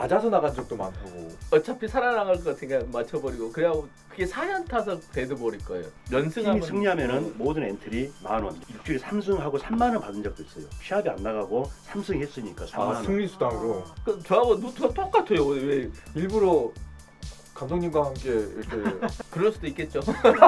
맞아서 나간 적도 많다고. 어차피 살아나갈 것 같으니까 맞춰버리고 그래갖고 그게 4연 타석 돼버릴 거예요. 팀이 연승하면 승리하면은 모든 엔트리 10,000원. 일주일에 3승하고 30,000원 받은 적도 있어요. 시합이 안 나가고 3승 했으니까 30,000원. 승리수당으로. 그 저하고 루트가 똑같아요. 왜 일부러 감독님과 함께 이렇게 그럴 수도 있겠죠.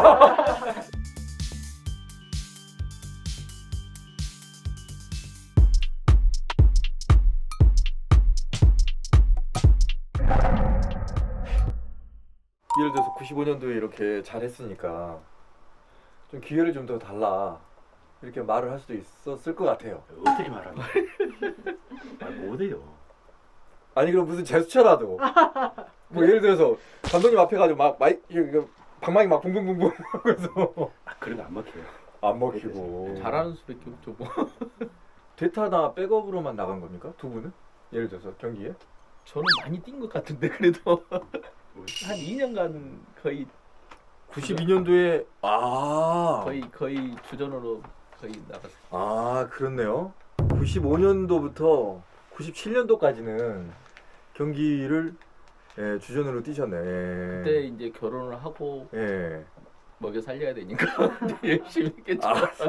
예를 들어서 95년도에 이렇게 잘했으니까 좀 기회를 좀 더 달라 이렇게 말을 할 수도 있었을 것 같아요. 어떻게 말하는 거야? 말 못해요. 아니 그럼 무슨 제스처라도 뭐 예를 들어서 감독님 앞에 가지고 막 방망이 막 붕붕붕붕 그래서 그런 거 안 먹혀요. 안 먹히고 잘하는 수밖에 없죠. 뭐. 대타나 백업으로만 나간 겁니까? 두 분은? 예를 들어서 경기에? 저는 많이 뛴 것 같은데 그래도 한 2년간 거의 92년도에 거의 주전으로 거의 나갔어요. 아 그렇네요. 95년도부터 97년도까지는 경기를 주전으로 뛰셨네. 그때 이제 결혼을 하고 예. 먹여 살려야 되니까 열심히 했겠죠.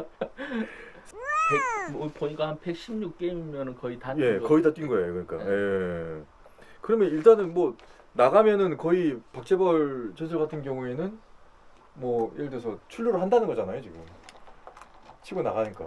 보니까 한 116게임이면 거의 다 예, 뛴 거. 거의 다 뛴 거예요. 그러니까. 예. 그러면 일단은 뭐 나가면은 거의 박재벌 전설 같은 경우에는 뭐 예를 들어서 출루를 한다는 거잖아요, 지금. 치고 나가니까.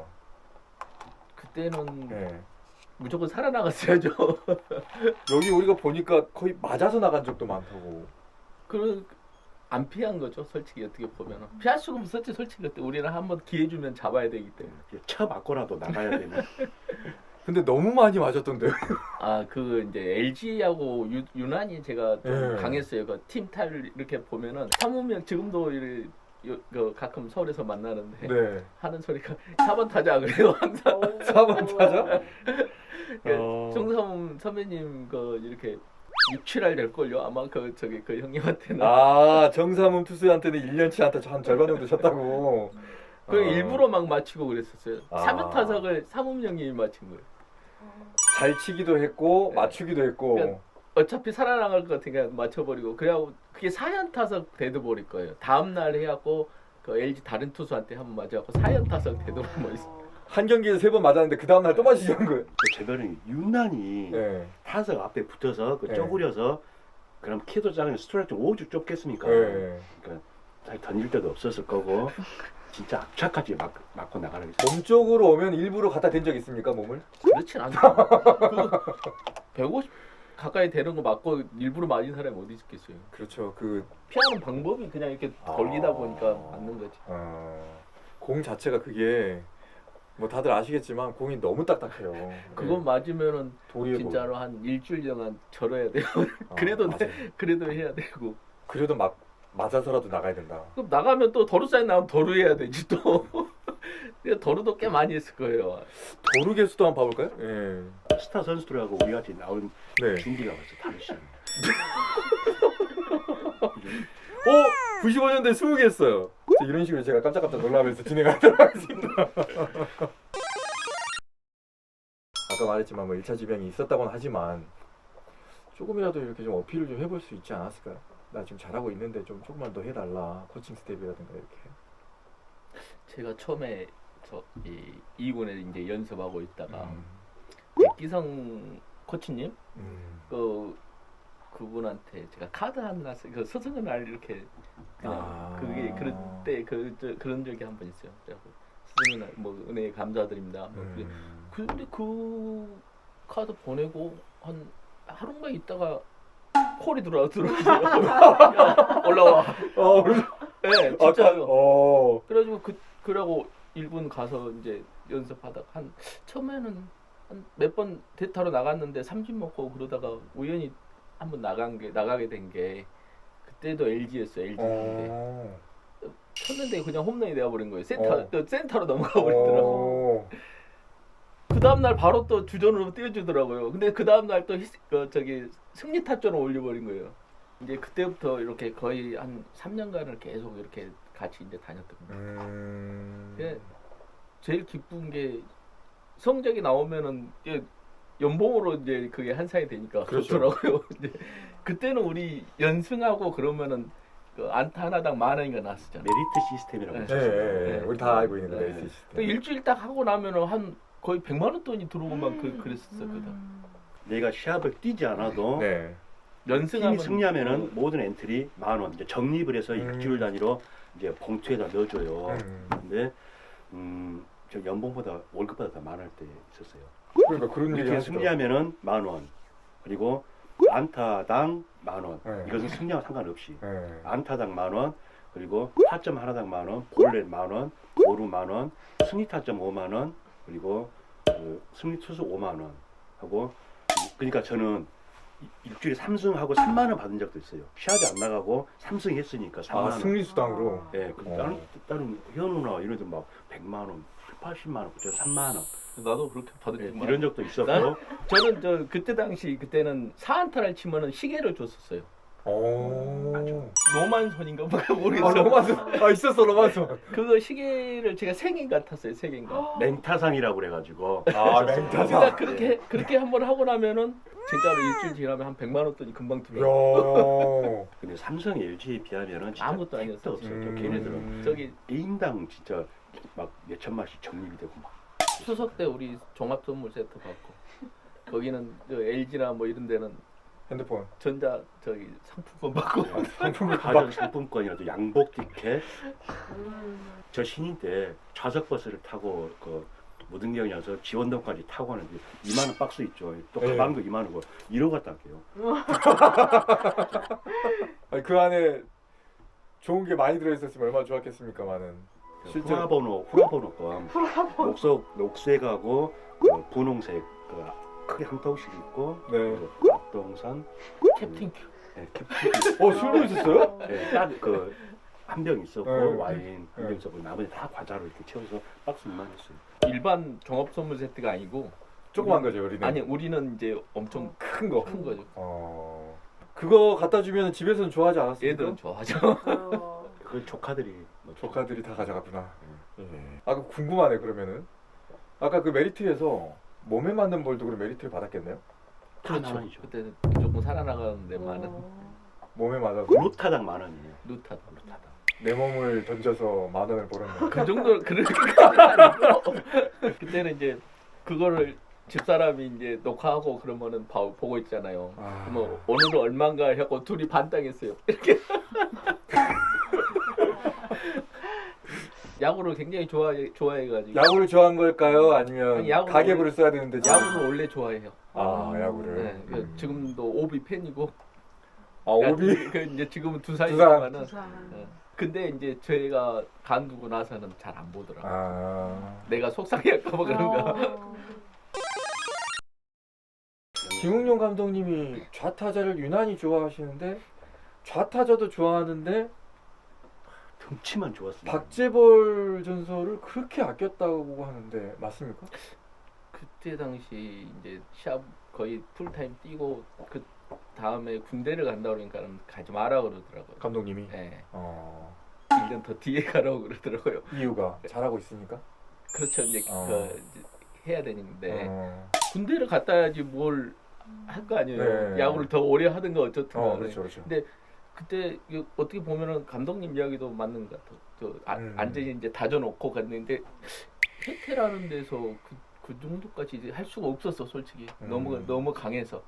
그때는 예. 무조건 살아나갔어야죠. 여기 우리가 보니까 거의 맞아서 나간 적도 많다고. 안 피한 거죠, 솔직히 어떻게 보면. 피할 수가 없었지, 솔직히 그때 우리는 한번 기회 주면 잡아야 되기 때문에. 쳐 맞고라도 나가야 되는. 근데 너무 많이 맞았던데요. 그 이제 LG하고 유난히 제가 좀 예. 강했어요. 그 팀 타를 이렇게 보면은 사무면 지금도 가끔 서울에서 만나는데 네. 하는 소리가 4번 타자 그래요 항상. 4번 타자? 정삼 선배님 이렇게 6, 7할 될 걸요. 아마 그 형님한테는. 아, 정삼훈 투수한테는 1년치 한테 한 절반 정도 쳤다고. 그 일부러 막 맞히고 그랬었어요. 아. 3연 타석을 사문 형님이 맞힌 거예요. 잘 치기도 했고 네. 맞추기도 했고. 그러니까 어차피 살아나갈 것 같으니까 맞춰버리고 그래갖고 그게 4연 타석 돼버릴 거예요. 다음 날 해갖고 그 LG 다른 투수한테 한번 맞아갖고 4연 타석 되도록 뭐 있어. 한 경기에 3번 맞았는데 그 다음 날 또 맞으신 거예요. 재별은 유난히 네. 타석 앞에 붙어서 네. 쪼그려서 그럼 키도 작은 스트라이크 오죽 좁겠습니까? 네. 그러니까 잘 던질 데도 없었을 거고 진짜 악착같이 맞고 나가는 게 몸 쪽으로 오면 일부러 갖다 댄 적 있습니까, 몸을? 그렇진 않죠. 150 가까이 되는 거 맞고 일부러 맞은 사람이 어디 있겠어요. 그렇죠. 피하는 방법이 그냥 이렇게 걸리다 보니까 맞는 거지. 공 자체가 그게 뭐 다들 아시겠지만 공이 너무 딱딱해요. 그거 맞으면은 도리에 진짜로 한 일주일 동안 절어야 돼요. 맞아요. 그래도 해야 되고. 그래도 막 맞아서라도 나가야 된다. 그럼 나가면 또 도루 사인 나오면 도루 해야 되지 또. 도루도 꽤 많이 했을 거예요. 도루 개수도 한번 봐볼까요? 예. 스타 선수들하고 우리 같이 나온 네. 준비가 벌써 다르시. 95년도에 20개 했어요. 이런 식으로 제가 깜짝깜짝 놀라면서 진행하도록 하겠습니다. 아까 말했지만 뭐 1차 지병이 있었다고는 하지만 조금이라도 이렇게 좀 어필을 좀 해볼 수 있지 않았을까요? 나 지금 잘하고 있는데 좀 조금만 더 해달라. 코칭 스텝이라든가 이렇게. 제가 처음에 이군에 이제 연습하고 있다가 음. 백기성 코치님 음. 그분한테 제가 카드 하나 그 스승의 날 이렇게 그냥 그게 그런 적이 한 번 있어요. 그래갖고 스승의 날 뭐 은혜 감사드립니다. 근데 그 카드 보내고 한 하루만 있다가 콜이 들어오더라고요. 올라와. 네, 진짜요. 그래가지고 그러고 1군 가서 이제 연습하다가 처음에는 한 몇 번 대타로 나갔는데 삼진 먹고 그러다가 우연히 한번 나가게 된 게 그때도 LG였어요. LG인데 쳤는데 그냥 홈런이 되어버린 거예요. 센터로 넘어가 버리더라고. 그 다음 날 바로 또 주전으로 띄워주더라고요. 근데 그 다음 날 또 승리 타점을 올려버린 거예요. 이제 그때부터 이렇게 거의 한 3년간을 계속 이렇게 같이 이제 다녔던 거예요. 제일 기쁜 게 성적이 나오면은 연봉으로 이제 그게 환산이 되니까 그렇죠. 좋더라고요. 이제 그때는 우리 연승하고 그러면은 그 안타 하나당 10,000원인가 나왔었잖아요. 메리트 시스템이라고 네. 예, 있었어요. 예, 예. 우리 다 알고 있는 거 네. 메리트 그 시스템. 일주일 딱 하고 나면은 한 거의 100만 원 돈이 들어오고만 그랬었거든. 내가 시합을 뛰지 않아도 네. 연승하면 팀이 승리하면은 모든 엔트리 10,000원 이제 적립을 해서 일주일 단위로 이제 봉투에다 넣어줘요. 근데 저 연봉보다 월급보다 더 많을 때 있었어요. 그러니까 그런 얘기 이렇게 하시더라고요. 승리하면은 10,000원 그리고 안타당 10,000원 네. 이것은 승리와 상관없이 예. 안타당 10,000원 그리고 타점 하나당 10,000원 볼넷 10,000원 보루 10,000원 승리 타점 50,000원 그리고 그 승리 투수 50,000원 하고 그러니까 저는 일주일에 3승하고 3만 원 받은 적도 있어요. 시합이 안 나가고 3승 했으니까 3만 아 원. 승리 수당으로. 예, 그 다른 현우나 이런 데막 100만 원, 80만 원, 저 3만 원 나도 그렇게 받을 예, 줄 이런 적도 있었고 난- 저는 저 그때 당시 그때는 4안타를 치면은 시계를 줬었어요. 오. 로만손인가 뭐 아 모르겠어. 로마서. 아 있었어 로마서. 그거 시계를 제가 3개인가 탔어요. 3개인가. 맹타상이라고 그래가지고 아 그러니까 맹타사. 그렇게 한번 하고 나면은 진짜로 일주일 지나면 한 100만 원 돈이 금방 들어요. 야. 근데 삼성 LG에 비하면은 진짜 아무것도 아니었어. 택도 없어요. 음. 걔네들은 저기 개인당 진짜 막 몇천만씩 적립이 되고 막 추석 때 우리 종합 선물 세트 받고 거기는 저 LG나 뭐 이런 데는 핸드폰. 전자 저기 상품권 받고 상품을 가전 상품권이라도 양복 티켓 저 신인 때 좌석 버스를 타고 그 무등경이어서 지원동까지 타고 가는데 2만 원 박스 있죠. 또 네. 가방도 2만 원고 이러고 갔다 할게요. 아니, 그 안에 좋은 게 많이 들어있었으면 얼마나 좋았겠습니까만은. 실제로 후라번호권 녹색하고 그 분홍색 그 크게 한 통씩 있고 네. 그리고 앞동산 캡틴 큐. 네, 캡틴 술도 있었어요? 딱그 한 병 있었고 네. 와인 한 병 네. 있었고 나머지 다 과자로 이렇게 채워서 박스 2만 했어요. 일반 종합 선물 세트가 아니고 조그만 거죠 우리는. 아니 우리는 이제 엄청 큰 거. 큰 거죠. 그거 갖다 주면 집에서는 좋아하지 않았습니까? 얘들은 좋아하죠. 그 조카들이 뭐 조카들이 다 가져갔구나. 예. 아, 그 궁금하네 그러면은. 아까 그 메리트에서 몸에 맞는 볼도 그럼 메리트를 받았겠네요? 다 만원이죠. 그때 조금 살아나가는데 많은 몸에 맞아서 루타당 10,000원이에요. 루타다. 내 몸을 던져서 10,000원을 벌었네. 그 정도 그렇게까지는 아니고 그때는 이제 그거를 집사람이 이제 녹화하고 그러면은 보고 있잖아요. 아. 뭐 오늘은 얼마인가 하고 둘이 반당했어요. 이렇게 야구를 굉장히 좋아해가지고 야구를 좋아한 걸까요? 아니면 아니, 야구를 가계부를 써야 되는데 야구를 원래 좋아해요. 아 야구를. 네, 지금도 오비 팬이고. 아 오비. 그 이제 지금은 두산. 두산이지만은. 근데 이제 저희가 간두고 나서는 잘 안 보더라고. 아 내가 속상해할까봐 그런가. 김웅용 감독님이 좌타자를 유난히 좋아하시는데 좌타자도 좋아하는데 덩치만 좋았어요. 박재벌 전설을 그렇게 아꼈다고 하는데 맞습니까? 그때 당시 이제 시합 거의 풀타임 뛰고 그 다음에 군대를 간다 그러니까는 가지 마라 그러더라고요. 감독님이. 네. 1년 더 뒤에 가라고 그러더라고요. 이유가 잘하고 있으니까. 그렇죠. 이제 이제 해야 되는데 어. 군대를 갔다 야지 뭘 할 거 아니에요. 네. 야구를 더 오래 하든가 어쨌든. 그렇죠, 그렇죠. 근데 그때 어떻게 보면은 감독님 이야기도 맞는 것 같아. 완전히 이제 다져놓고 갔는데 해태라는 데서 그 정도까지 이제 할 수가 없었어, 솔직히. 너무 강해서.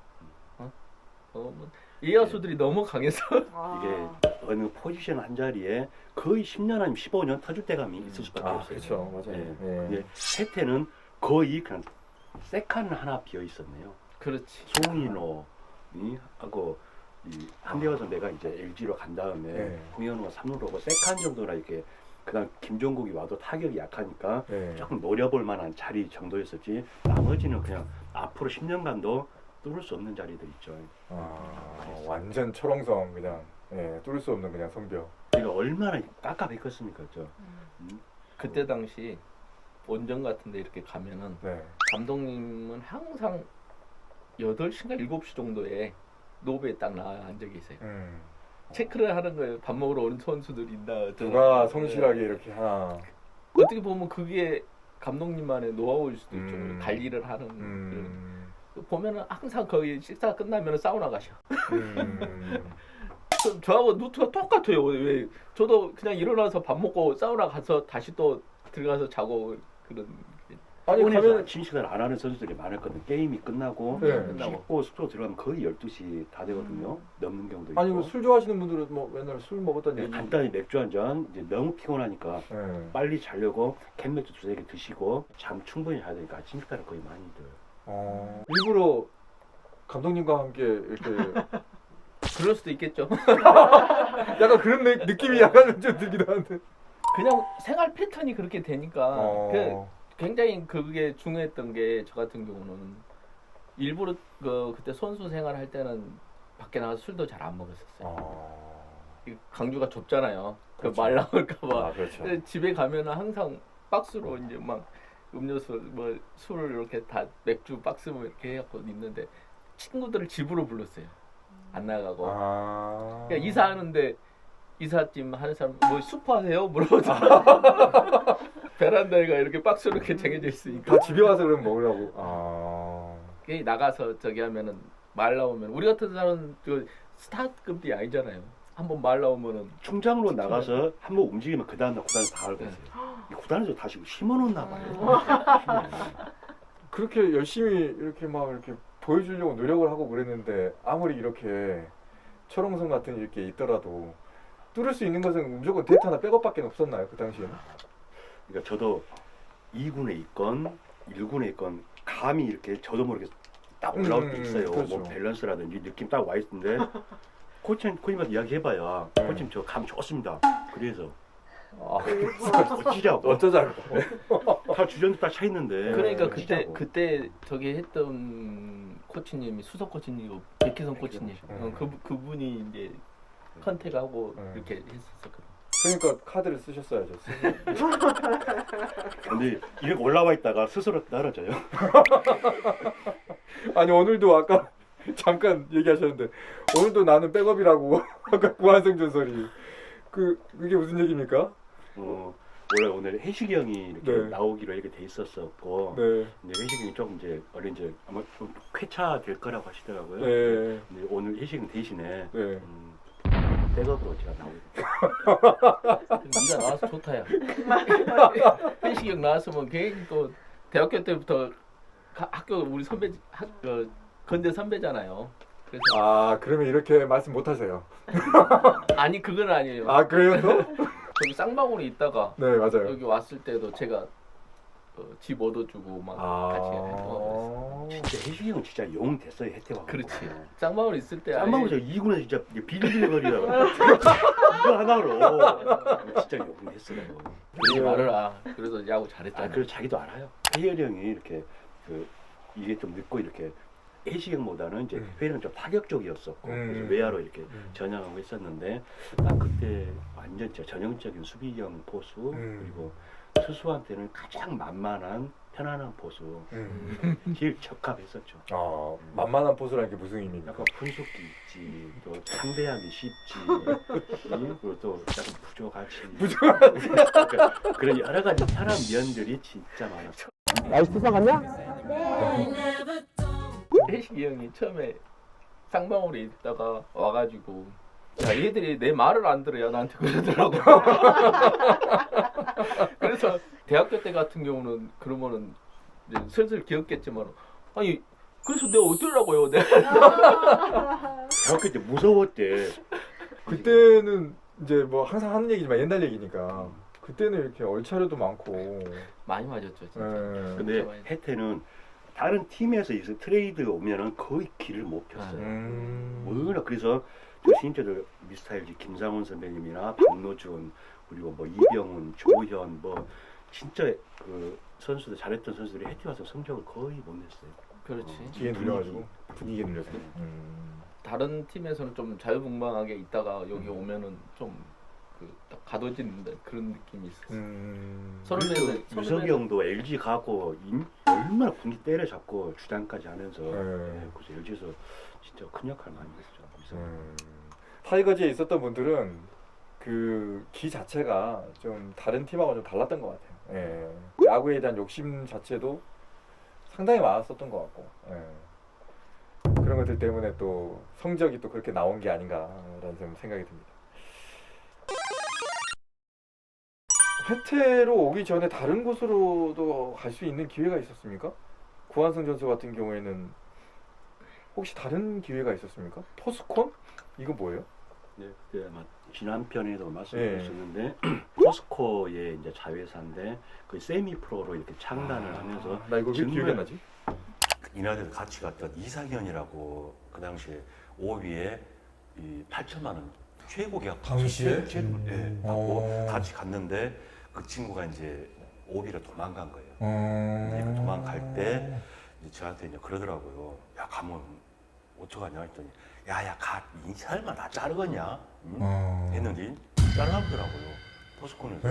이야수들이 너무 강해서. 이게 어느 포지션 한 자리에 거의 10년 아니면 15년 터질 때감이 있을 수밖에 없어요. 그렇죠, 맞아요. 예. 예. 근데 세태는 거의 그냥 세칸 하나 비어 있었네요. 그렇지. 송인호이 하고 이 한대화 선배가 이제 LG로 간 다음에 네. 홍현우가 3루로 오고 세칸 정도나 이렇게 그다음 김종국이 와도 타격이 약하니까 예. 조금 노려볼 만한 자리 정도였었지 나머지는 그냥 앞으로 10년간도 뚫을 수 없는 자리들 있죠. 완전 철옹성 그냥 뚫을 수 없는 그냥 성벽. 이거 얼마나 깝깝했겠습니까, 저. 그때 당시 원정 같은데 이렇게 가면은 네. 감독님은 항상 8시인가 7시 정도에 노브에 딱 나와 앉아 계세요. 체크를 하는 거예요. 밥 먹으러 오는 선수들 있나. 누가 성실하게 이렇게 하나. 어떻게 보면 그게 감독님만의 노하우일 수도 있죠. 음. 관리를 하는. 보면은 항상 거의 식사 끝나면 사우나 가셔. 음. 저하고 루트가 똑같아요. 왜 저도 그냥 일어나서 밥 먹고 사우나 가서 다시 또 들어가서 자고 그런. 아니 오늘 가면 아침 식사를 안 하는 선수들이 많았거든. 게임이 끝나고 네. 씻고 숙소 들어가면 거의 12시 다 되거든요. 넘는 경우도 있고. 아니 뭐술 좋아하시는 분들은 뭐 맨날 술 먹었다는 네, 얘기. 간단히 맥주 한 잔 이제 너무 피곤하니까 네. 빨리 자려고 캔맥주 2-3개 드시고 잠 충분히 자야 되니까 아침 식사를 거의 많이들. 일부러 감독님과 함께 이렇게 그럴 수도 있겠죠. 약간 그런 느낌이 약간 좀 들기도 하는데. 그냥 생활 패턴이 그렇게 되니까 어. 굉장히 그게 중요했던 게 저 같은 경우는 일부러 그때 선수 생활할 때는 밖에 나가서 술도 잘 안 먹었었어요. 이 강주가 좁잖아요. 그렇죠. 말 나올까봐. 아 그렇죠. 근데 집에 가면은 항상 박스로 이제 막 음료수 뭐 술을 이렇게 다 맥주 박스 뭐 이렇게 해갖고 있는데 친구들을 집으로 불렀어요. 안 나가고. 그러니까 이사하는데 이삿짐 하는 사람 뭐 슈퍼 하세요? 물어보자. 베란다가 이렇게 박스로 이렇게 정해져 있으니까. 다 집에 와서 그럼 먹으라고. 괜히 나가서 저기 하면은 말 나오면 우리 같은 사람은 그 스타급이 아니잖아요. 한번 말 나오면은 충장으로 나가서 한번 움직이면 그 다음날 구단에서 다 알고 있어요. 이 구단에서 다시 심어놓나 봐요. 그렇게 열심히 이렇게 막 이렇게 보여주려고 노력을 하고 그랬는데 아무리 이렇게 철옹성 같은 이렇게 있더라도 뚫을 수 있는 것은 무조건 데이트 하나 백업밖에 없었나요 그 당시에는? 그러니까 저도 2군에 있건 1군에 있건 감이 이렇게 저도 모르게 딱 올라올 때 있어요. 그렇죠. 뭐 밸런스라든지 느낌 딱 와 있는데 코치님한테 이야기해봐야 코치님 저 감 좋습니다. 그래서 어찌자고 어쩌자고. 다 주전도 딱 차 있는데 그러니까 어찌자고. 그때 저기 했던 코치님이 수석 코치님이고 백희성 코치님 그분이 이제 컨택하고 이렇게 했었거든. 그러니까 카드를 쓰셨어야죠. 근데 이렇게 올라와 있다가 스스로 떨어져요. 아니 오늘도 아까 잠깐 얘기하셨는데 오늘도 나는 백업이라고 아까 구한성 전설이 그게 무슨 얘기입니까? 원래 오늘 해식이 형이 이렇게 네. 나오기로 이렇게 돼 있었었고 네. 근데 해식이 형이 조금 이제 원래 이제 아마 좀 쾌차 될 거라고 하시더라고요. 네. 근데 오늘 해식이 형 대신에 네. 백업으로 제가 나오게 네가 나와서 좋다야. 현식이 형 나왔으면 괜히 또 대학교 때부터 학교 우리 선배 건대 선배잖아요. 그래서 그러면 이렇게 말씀 못 하세요. 아니 그건 아니에요. 그래요 또? 저기 쌍방울에 있다가 네 맞아요. 여기 왔을 때도 제가 집 얻어주고 막 같이 했던 진짜 해식이 형 진짜 용 됐어요. 혜태와. 그렇지. 쌍방울 있을 때 쌍방울 저 2군에 진짜 비리비리거리다가 이거 하나로 진짜 용 됐어요. 그러지 말아라. 그래서 야구 잘했잖아. 그래서 자기도 알아요. 혜열이 형이 이렇게 이게 좀 늦고 이렇게 해식이 형보다는 이제 회는 좀 타격적이었었고 그래서 외야로 이렇게 전향하고 있었는데 난 그때 완전 진짜 전형적인 수비형 포수 그리고 투수한테는 가장 만만한 편안한 포수 제일 적합했었죠. 만만한 포수라는 게 무슨 의미입니까? 약간 분석기 있지, 또 상대하기 쉽지, 그리고 또 약간 부족하지. 그러니까 그런 여러 가지 편한 면들이 진짜 많았어. 날씨 수상하냐? 해식이 형이 처음에 쌍방울에 있다가 와가지고 야 얘들이 내 말을 안 들어야 나한테 그러더라고. 그래서 대학교 때 같은 경우는 그러면은 이제 슬슬 기억겠지만 아니 그래서 내가 어쩌라고요? 내가 대학교 때 무서웠대. 그때는 이제 뭐 항상 하는 얘기지만 옛날 얘기니까 그때는 이렇게 얼차려도 많고 많이 맞았죠 진짜. 근데 진짜 많이. 혜태는 다른 팀에서 이제 트레이드 오면은 거의 길을 못 폈어요. 워낙 그래서 저 신인들도 미스타일즈 김상훈 선배님이나 박노준 그리고 뭐 이병훈, 조현 뭐 진짜 그 선수들 잘했던 선수들이 혜태 와서 성적을 거의 못 냈어요. 그렇지. 기에 눌려가지고 분위기에 눌려서. 다른 팀에서는 좀 자유분방하게 있다가 여기 오면은 좀 딱 가둬지는 그런 느낌이 있었어. 선후배들 유석이 형도 LG 가고 얼마나 분위 때려잡고 주장까지 하면서 그래서 LG에서 진짜 큰 역할 많이 했죠. 타이거즈에 있었던 분들은 그 기 자체가 좀 다른 팀하고 좀 달랐던 것 같아요. 야구에 대한 욕심 자체도 상당히 많았었던 것 같고. 그런 것들 때문에 또 성적이 또 그렇게 나온 게 아닌가라는 좀 생각이 듭니다. 회태로 오기 전에 다른 곳으로도 갈 수 있는 기회가 있었습니까? 구한승 전설 같은 경우에는 혹시 다른 기회가 있었습니까? 포스콘? 이거 뭐예요? 네, 그때 아마 지난 편에도 네. 말씀드렸었는데 포스코의 이제 자회사인데 그 세미 프로로 이렇게 창단을 하면서 나 이거 왜 정말- 기억이 안 나지? 이날에 같이 갔던 이상현이라고 그 당시에 5위에 이 8천만 원 최고 계약 당시에? 예, 받고 같이 갔는데 그 친구가 이제 5위로 도망간 거예요. 근데 그 도망갈 때 이제 저한테 이제 그러더라고요. 야 가면 어떡하냐 했더니 야야 가 인사할만 다 자르겠냐? 응? 했는데 자르더라고요. 포스콘에서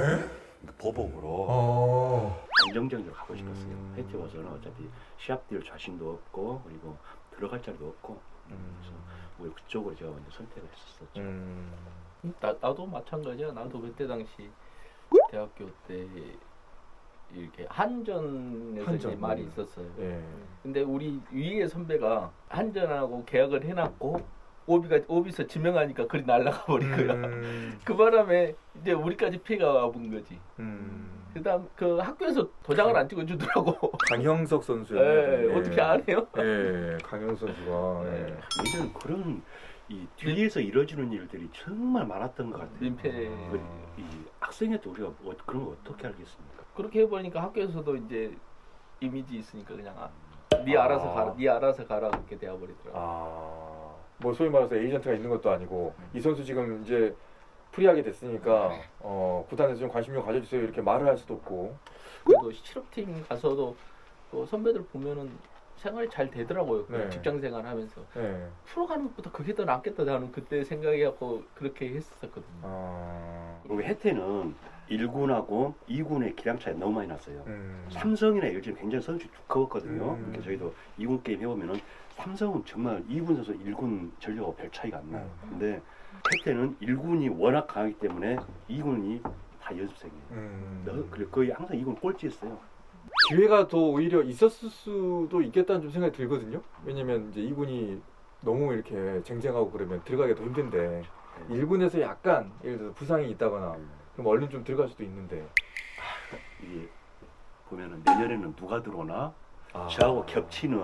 보복으로. 안정적으로 가고 싶었어요. 음. 회태 와서는 어차피 시합 뛸 자신도 없고 그리고 들어갈 자리도 없고 그래서 뭐 그쪽으로 제가 먼저 선택을 했었죠. 나도 마찬가지야. 나도 그때 당시 대학교 때 이렇게 한전에서 한전. 이제 말이 있었어요. 예. 근데 우리 위에 선배가 한전하고 계약을 해놨고 오비서 지명하니까 그리 날라가 버린 거야. 그 바람에 이제 우리까지 피해가 와본 거지. 그다음 그 학교에서 도장을 안 찍어주더라고. 강형석 선수였는데. 예, 어떻게 안 해요? 예, 강형석 선수가. 예. 예전에 그런 이 뒤에서 이루어지는 일들이 정말 많았던 것 같아요. 민폐. 이 학생한테 우리가 그런 거 어떻게 알겠습니까? 그렇게 해보니까 학교에서도 이제 이미지 있으니까 그냥 네 알아서 가라, 네 알아서 가라 그렇게 되어버리더라고. 뭐 소위 말해서 에이전트가 있는 것도 아니고 이 선수 지금 이제 프리하게 됐으니까 구단에서 좀 관심 좀 가져주세요 이렇게 말을 할 수도 없고. 그래도 실업팀 가서도 또 선배들 보면은 생활이 잘 되더라고요. 네. 직장 생활하면서 예. 프로 가는 것보다 그게 더 낫겠다 나는 그때 생각해갖고 그렇게 했었거든요. 그리고 혜태는 1군하고 2군의 기량 차이 너무 많이 났어요. 음. 삼성이나 LG는 굉장히 선수 두꺼웠거든요. 음. 그러니까 저희도 2군 게임 해보면은 삼성은 정말 2군 선수 1군 전력하고 별 차이가 안 나요. 근데 혜태는 1군이 워낙 강하기 때문에 2군이 다 연습생이에요. 그리고 거의 항상 2군 꼴찌했어요. 기회가 더 오히려 있었을 수도 있겠다는 좀 생각이 들거든요. 왜냐면 이제 2군이 너무 이렇게 쟁쟁하고 그러면 들어가기가 더 힘든데 1군에서 약간 예를 들어서 부상이 있다거나 그럼 얼른 좀 들어갈 수도 있는데 이게 보면은 내년에는 누가 들어오나 저하고 겹치는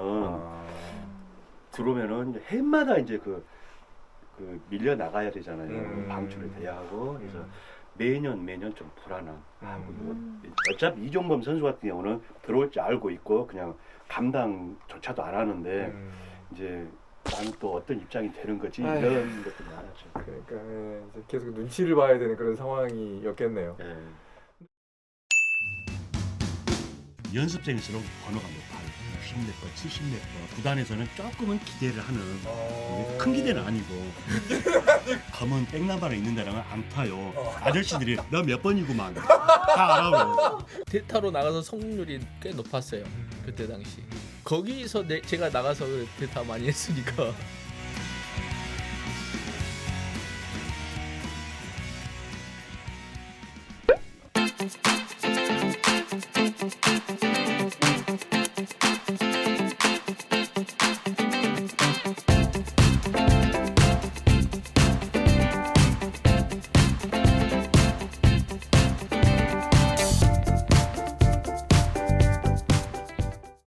들어오면은 이제 해마다 이제 그 밀려 나가야 되잖아요. 방출이 돼야 하고 그래서 매년 좀 불안한. 어차피 이종범 선수 같은 경우는 들어올 줄 알고 있고 그냥 감당조차도 안 하는데 이제 나는 또 어떤 입장이 되는 거지 아휴. 이런 것도 많았죠. 그러니까 이제 계속 눈치를 봐야 되는 그런 상황이었겠네요. 예. 연습생일수록 번호가 높아요. 60몇 번, 70몇 번. 구단에서는 조금은 기대를 하는 큰 기대는 아니고 검은 백나바를 있는 데랑은 안 타요. 아저씨들이 너 몇 번이구만 다 알아요. 대타로 나가서 성공률이 꽤 높았어요. 그때 당시. 거기서 제가 나가서 대타 많이 했으니까